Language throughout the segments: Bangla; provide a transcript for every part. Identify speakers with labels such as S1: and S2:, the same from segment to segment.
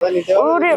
S1: ওরে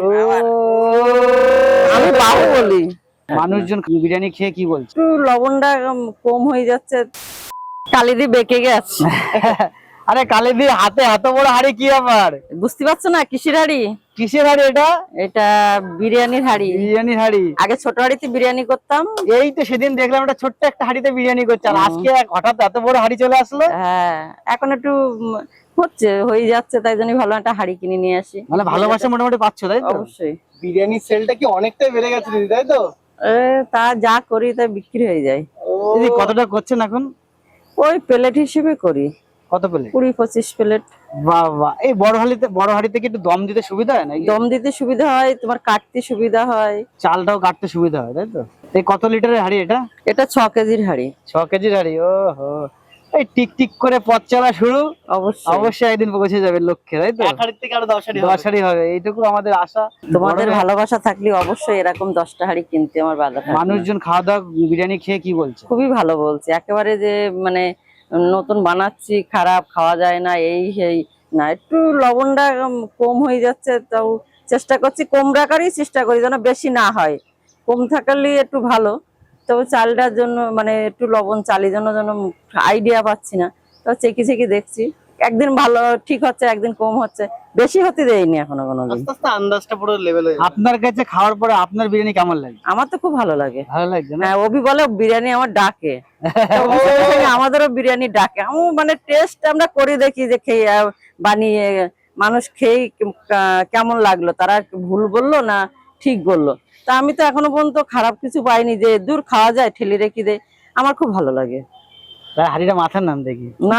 S1: আমি বাহুবলি।
S2: মানুষজন বিরিয়ানি খেয়ে কি বলছে?
S1: একটু লবণটা কম হয়ে যাচ্ছে, কালিদি বেঁকে গেছে।
S2: আরে কালিদি হাতে এত বড় হাড়ি কি ব্যাপার?
S1: বুঝতে পারছো না কিসের হাড়ি?
S2: কিসের হাড়ি এটা?
S1: এটা বিরিয়ানির হাড়ি।
S2: বিরিয়ানির হাড়ি?
S1: আগে ছোট হাড়িতে বিরিয়ানি করতাম।
S2: এই তো সেদিন দেখলাম একটা ছোট্ট একটা হাড়িতে বিরিয়ানি করছে, আর আজকে হঠাৎ এত বড় হাড়ি চলে আসলো।
S1: হ্যাঁ, এখন একটু হয়ে যাচ্ছে, তাই জন্য ভালো একটা হাড়ি কিনে নিয়ে আসি।
S2: মানে ভালোবাসা মোটামুটি পাচ্ছ, তাই তো?
S1: অবশ্যই।
S3: বিরিয়ানির সেলটা কি অনেকটাই বেড়ে গেছে দিদি, তাই তো?
S1: তা যা করি তাই বিক্রি হয়ে যায়।
S2: দিদি কতটা করছেন এখন?
S1: ওই প্লেট হিসেবে করি।
S2: কত প্লেট?
S1: 20-25 প্লেট।
S2: বাহ বাহ। এই বড় হাড়িতে কি একটু দম দিতে সুবিধা হয় না?
S1: দম দিতে সুবিধা হয়, তোমার কাটতে সুবিধা হয়,
S2: চালটাও কাটতে সুবিধা হয়, তাই তো? এই কত লিটারের হাড়ি এটা?
S1: এটা 6 কেজির হাড়ি।
S2: 6 কেজির হাড়ি? ও হো, এই টিক টিক করে পথ চলা শুরু।
S1: অবশ্যই
S2: অবশ্যই একদিন পৌঁছে যাবে লক্ষ্যে, তাই তো?
S3: এক হাড়ির থেকে আরো 10 হাড়ি
S2: 10 হাড়ি হবে, এইটুকু আমাদের আশা।
S1: তোমাদের ভালোবাসা থাকলে অবশ্যই এরকম 10টা হাড়ি কিনতে আমার বাধা থাকবে না।
S2: মানুষজন খাওয়া দাওয়া বিরিয়ানি খেয়ে কি বলছে?
S1: খুবই ভালো বলছে, একেবারে যে মানে নতুন বানাচ্ছি, খারাপ খাওয়া যায় না, এই সেই না, একটু লবণটা কম হয়ে যাচ্ছে, তাও চেষ্টা করছি কম রাখারই চেষ্টা করি, যেন বেশি না হয়। কম থাকলে একটু ভালো, তবে চালটার জন্য মানে একটু লবণ চালের জন্য যেন আইডিয়া পাচ্ছি না, তো চেকে দেখছি, একদিন ভালো ঠিক হচ্ছে, একদিন কম হচ্ছে, বেশি হতে দেয়নি এখনো কোনোদিন।
S3: আস্তে আস্তে আন্দাজটা পুরো লেভেল হয়ে যাবে।
S2: আপনার কাছে খাওয়ার পরে আপনার বিরিয়ানি কেমন লাগে?
S1: আমার তো খুব ভালো লাগে।
S2: ভালো লাগছে না?
S1: হ্যাঁ, অভি বলে বিরিয়ানি আমার ডাকে। তো আমাদেরও বিরিয়ানি ডাকে। আমি মানে টেস্ট আমরা করে দেখি যে খেয়ে বানিয়ে মানুষ খেয়ে কেমন লাগলো, তারা ভুল বললো না ঠিক বললো। তা আমি তো এখনো পর্যন্ত খারাপ কিছু পাইনি, যে দূর খাওয়া যায় ঠেলে রেখে দেয়, আমার খুব ভালো লাগে।
S2: তার হাড়িটা মাথার নাম দেখি
S1: না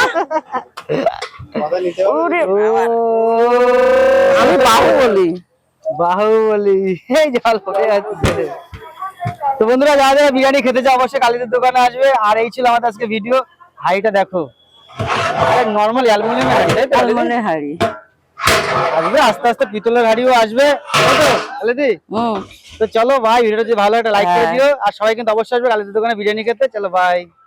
S3: কথা নিতে হবে।
S1: ওরে আমি বাহুবলি।
S2: বাহুবলি। এই জল পড়ে যাচ্ছে। তো বন্ধুরা, যারা যারা বিরিয়ানি খেতে চাও অবশ্যই কালীদের দোকানে আসবে। আর এই ছিল আমাদের আজকে ভিডিও। হাড়িটা দেখো, নর্মাল অ্যালুমিনিয়ামের হাড়ি, তাই তো?
S1: আলমনের হাড়ি
S2: আসবে আস্তে আস্তে, পিতলের হাড়িও আসবে, তাই তো কালিদি? তো চলো ভাই, ভিডিওটা যদি ভালো একটা লাইক করে দিও, আর সবাই কিন্তু অবশ্যই আসবে কালীদের দোকানে বিরিয়ানি খেতে। চলো ভাই।